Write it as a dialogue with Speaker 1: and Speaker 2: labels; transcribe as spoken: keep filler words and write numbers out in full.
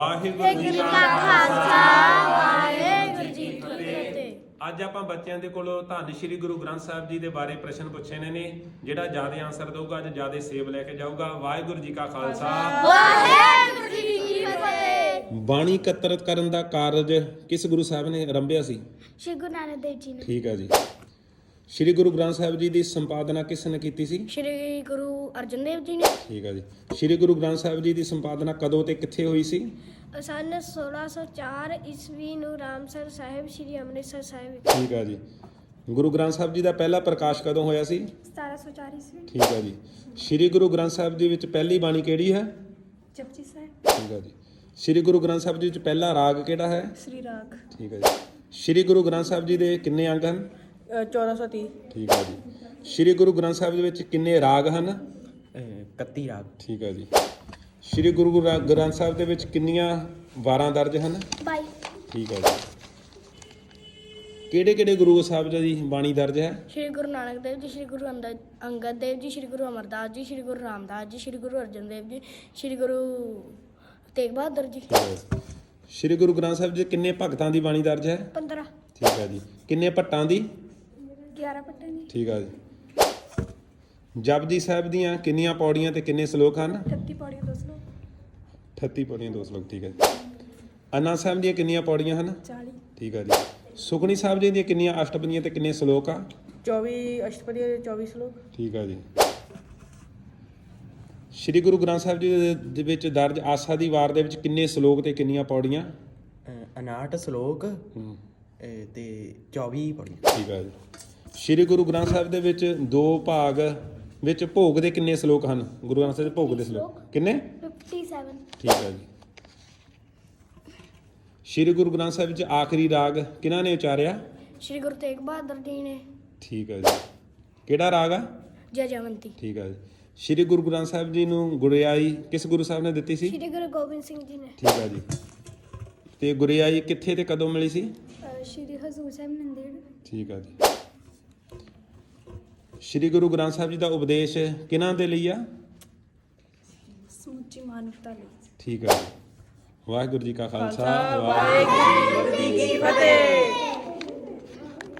Speaker 1: ਵਾਹਿਗੁਰੂ ਜੀ ਕਾ ਖਾਲਸਾ ਵਾਹਿਗੁਰੂ ਜੀ ਕੀ ਫਤਿਹ। ਅੱਜ ਆਪਾਂ ਬੱਚਿਆਂ ਦੇ ਕੋਲੋਂ ਧੰਨ ਸ਼੍ਰੀ ਗੁਰੂ ਗ੍ਰੰਥ ਸਾਹਿਬ ਜੀ ਦੇ ਬਾਰੇ ਪ੍ਰਸ਼ਨ ਪੁੱਛੇ ਨੇ। ਜਿਹੜਾ ਜ਼ਿਆਦਾ ਆਨਸਰ ਦਊਗਾ ਅੱਜ ਜ਼ਿਆਦਾ ਸੇਬ ਲੈ ਕੇ ਜਾਊਗਾ। ਵਾਹਿਗੁਰੂ ਜੀ ਕਾ ਖਾਲਸਾ
Speaker 2: ਵਾਹਿਗੁਰੂ ਜੀ ਕੀ ਫਤਿਹ।
Speaker 1: ਬਾਣੀ ਇਕੱਤਰਤ ਕਰਨ ਦਾ ਕਾਰਜ ਕਿਸ ਗੁਰੂ ਸਾਹਿਬ ਨੇ ਆਰੰਭਿਆ ਸੀ?
Speaker 2: ਸ਼੍ਰੀ ਗੁਰੂ ਨਾਨਕ ਦੇਵ ਜੀ ਨੇ।
Speaker 1: ਠੀਕ ਹੈ ਜੀ। ਸ਼੍ਰੀ ਗੁਰੂ ਗ੍ਰੰਥ ਸਾਹਿਬ ਜੀ ਦੀ ਸੰਪਾਦਨਾ ਕਿਸ ਨੇ ਕੀਤੀ ਸੀ?
Speaker 2: ਸ਼੍ਰੀ ਗੁਰੂ ਅਰਜਨ ਦੇਵ ਜੀ ਨੇ।
Speaker 1: ਠੀਕ ਹੈ ਜੀ। ਸ਼੍ਰੀ ਗੁਰੂ ਗ੍ਰੰਥ ਸਾਹਿਬ ਜੀ ਦੀ ਸੰਪਾਦਨਾ ਕਦੋਂ ਤੇ ਕਿੱਥੇ ਹੋਈ ਸੀ?
Speaker 2: ਸਨ ਸੋਲਾਂ ਸੌ ਚਾਰ ਈਸਵੀ ਨੂੰ ਰਾਮਸਰ ਸਾਹਿਬ ਸ਼੍ਰੀ ਅੰਮ੍ਰਿਤਸਰ ਸਾਹਿਬ ਵਿੱਚ।
Speaker 1: ਠੀਕ ਹੈ ਜੀ। ਗੁਰੂ ਗ੍ਰੰਥ ਸਾਹਿਬ ਜੀ ਦਾ ਪਹਿਲਾ ਪ੍ਰਕਾਸ਼ ਕਦੋਂ ਹੋਇਆ ਸੀ?
Speaker 2: ਸਤਾਰਾਂ ਸੌ ਚਾਰ ਈਸਵੀ।
Speaker 1: ਠੀਕ ਹੈ ਜੀ। ਸ਼੍ਰੀ ਗੁਰੂ ਗ੍ਰੰਥ ਸਾਹਿਬ ਜੀ ਵਿੱਚ ਪਹਿਲੀ ਬਾਣੀ ਕਿਹੜੀ ਹੈ?
Speaker 2: ਜਪਜੀ ਸਾਹਿਬ।
Speaker 1: ਠੀਕ ਹੈ ਜੀ। ਸ਼੍ਰੀ ਗੁਰੂ ਗ੍ਰੰਥ ਸਾਹਿਬ ਜੀ ਵਿੱਚ ਪਹਿਲਾ ਰਾਗ ਕਿਹੜਾ ਹੈ?
Speaker 2: ਸ੍ਰੀ ਰਾਗ।
Speaker 1: ਠੀਕ ਹੈ ਜੀ। ਸ਼੍ਰੀ ਗੁਰੂ ਗ੍ਰੰਥ ਸਾਹਿਬ ਜੀ ਦੇ ਕਿੰਨੇ ਅੰਗ ਹਨ?
Speaker 3: ਚੌਦਾਂ ਸੌ ਤੀਹ।
Speaker 1: ਠੀਕ ਹੈ ਜੀ। ਸ਼੍ਰੀ ਗੁਰੂ ਗ੍ਰੰਥ ਸਾਹਿਬ ਦੇ ਵਿੱਚ ਕਿੰਨੇ ਰਾਗ ਹਨ?
Speaker 3: ਇਕੱਤੀ ਰਾਗ।
Speaker 1: ਠੀਕ ਹੈ ਜੀ। ਸ਼੍ਰੀ ਗੁਰੂ ਗ੍ਰ- ਗ੍ਰੰਥ ਸਾਹਿਬ ਦੇ ਵਿੱਚ ਕਿੰਨੀਆਂ ਵਾਰਾਂ ਦਰਜ ਹਨ?
Speaker 2: ਬਾਈ।
Speaker 1: ਠੀਕ ਹੈ ਜੀ। ਕਿਹੜੇ ਕਿਹੜੇ ਗੁਰੂ ਸਾਹਿਬ ਜੀ ਦੀ ਬਾਣੀ ਦਰਜ ਹੈ?
Speaker 2: ਸ਼੍ਰੀ ਗੁਰੂ ਨਾਨਕ ਦੇਵ ਜੀ, ਸ਼੍ਰੀ ਗੁਰੂ ਅੰਦ- ਅੰਗਦ ਦੇਵ ਜੀ, ਸ਼੍ਰੀ ਗੁਰੂ ਅਮਰਦਾਸ ਜੀ, ਸ਼੍ਰੀ ਗੁਰੂ ਰਾਮਦਾਸ ਜੀ, ਸ਼੍ਰੀ ਗੁਰੂ ਅਰਜਨ ਦੇਵ ਜੀ, ਸ਼੍ਰੀ ਗੁਰੂ ਤੇਗ ਬਹਾਦਰ ਜੀ।
Speaker 1: ਠੀਕ ਹੈ। ਸ਼੍ਰੀ ਗੁਰੂ ਗ੍ਰੰਥ ਸਾਹਿਬ ਜੀ ਕਿੰਨੇ ਭਗਤਾਂ ਦੀ ਬਾਣੀ ਦਰਜ ਹੈ?
Speaker 2: ਪੰਦਰਾਂ।
Speaker 1: ਠੀਕ ਹੈ ਜੀ। ਕਿੰਨੇ ਭੱਟਾਂ ਦੀ?
Speaker 2: ਗਿਆਰਾਂ ਪੱਟੇ ਨੇ।
Speaker 1: ਠੀਕ ਹੈ ਜੀ। ਜਪਜੀ ਸਾਹਿਬ ਦੀਆਂ ਕਿੰਨੀਆਂ ਪੌੜੀਆਂ ਤੇ ਕਿੰਨੇ ਸ਼ਲੋਕ ਹਨ?
Speaker 2: ਅਠੱਤੀ ਪੌੜੀਆਂ ਦੋ ਸੌ
Speaker 1: ਅਠੱਤੀ ਪੌੜੀਆਂ ਦੋ ਸ਼ਲੋਕ। ਠੀਕ ਹੈ ਜੀ। ਆਨੰਦ ਸਾਹਿਬ ਦੀਆਂ ਕਿੰਨੀਆਂ ਪੌੜੀਆਂ ਹਨ?
Speaker 2: ਚਾਲੀ।
Speaker 1: ਠੀਕ ਹੈ ਜੀ। ਸੁਖਮਨੀ ਸਾਹਿਬ ਜੀ ਦੀਆਂ ਕਿੰਨੀਆਂ ਅਸ਼ਟਪਦੀਆਂ ਤੇ ਕਿੰਨੇ ਸ਼ਲੋਕ ਆ?
Speaker 3: ਚੌਵੀ ਅਸ਼ਟਪਦੀ ਦੇ ਚੌਵੀ ਸ਼ਲੋਕ।
Speaker 1: ਠੀਕ ਹੈ ਜੀ। ਸ਼੍ਰੀ ਗੁਰੂ ਗ੍ਰੰਥ ਸਾਹਿਬ ਜੀ ਦੇ- ਦੇ ਵਿੱਚ ਦਰਜ ਆਸਾ ਦੀ ਵਾਰ ਦੇ ਵਿੱਚ ਕਿੰਨੇ ਸ਼ਲੋਕ ਤੇ ਕਿੰਨੀਆਂ ਪੌੜੀਆਂ?
Speaker 3: ਉਨਾਹਠ ਸ਼ਲੋਕ
Speaker 1: ਹੂੰ।
Speaker 3: ਅਹ, ਤੇ ਚੌਵੀ ਪੌੜੀ।
Speaker 1: ਠੀਕ ਹੈ ਜੀ। ਸ਼੍ਰੀ ਗੁਰੂ ਗ੍ਰੰਥ ਸਾਹਿਬ ਦੇ ਵਿੱਚ ਦੋ ਭਾਗ ਵਿੱਚ ਭੋਗ ਦੇ ਕਿੰਨੇ ਸ਼ਲੋਕ ਹਨ? ਗੁਰੂ ਗ੍ਰੰਥ ਸਾਹਿਬ ਦੇ ਭੋਗ ਦੇ ਸ਼ਲੋਕ ਕਿੰਨੇ?
Speaker 2: ਸੱਤਰ।
Speaker 1: ਠੀਕ ਹੈ ਜੀ। ਸ਼੍ਰੀ ਗੁਰੂ ਗ੍ਰੰਥ ਸਾਹਿਬ ਵਿੱਚ ਆਖਰੀ ਰਾਗ ਕਿਹਨਾਂ ਨੇ ਉਚਾਰਿਆ?
Speaker 2: ਸ਼੍ਰੀ ਗੁਰੂ ਤੇਗ ਬਹਾਦਰ ਜੀ ਨੇ।
Speaker 1: ਠੀਕ ਹੈ ਜੀ। ਕਿਹੜਾ ਰਾਗ ਆ?
Speaker 2: ਜੈ ਜਵੰਤੀ।
Speaker 1: ਠੀਕ ਹੈ ਜੀ। ਸ਼੍ਰੀ ਗੁਰੂ ਗ੍ਰੰਥ ਸਾਹਿਬ ਜੀ ਨੂੰ ਗੁਰਿਆਈ ਕਿਸ ਗੁਰੂ ਸਾਹਿਬ ਨੇ ਦਿੱਤੀ ਸੀ?
Speaker 2: ਸ਼੍ਰੀ ਗੁਰੂ ਗੋਬਿੰਦ ਸਿੰਘ ਜੀ ਨੇ।
Speaker 1: ਠੀਕ ਹੈ ਜੀ। ਤੇ ਗੁਰਿਆਈ ਕਿੱਥੇ ਤੇ ਕਦੋਂ ਮਿਲੀ ਸੀ?
Speaker 2: ਸ਼੍ਰੀ ਹਜ਼ੂਰ ਸਾਹਿਬ ਨੰਦੇੜ।
Speaker 1: ਠੀਕ ਹੈ ਜੀ। ਸ਼੍ਰੀ ਗੁਰੂ ਗ੍ਰੰਥ ਸਾਹਿਬ ਜੀ ਦਾ ਉਪਦੇਸ਼ ਕਿਹਨਾਂ ਦੇ ਲਈ ਆ?
Speaker 2: ਸਮੁੱਚੀ ਮਾਨਵਤਾ ਲਈ।
Speaker 1: ਠੀਕ ਹੈ ਜੀ। ਵਾਹਿਗੁਰੂ ਜੀ ਕਾ ਖਾਲਸਾ
Speaker 3: ਵਾਹਿਗੁਰੂ ਜੀ ਕੀ ਫਤਿਹ।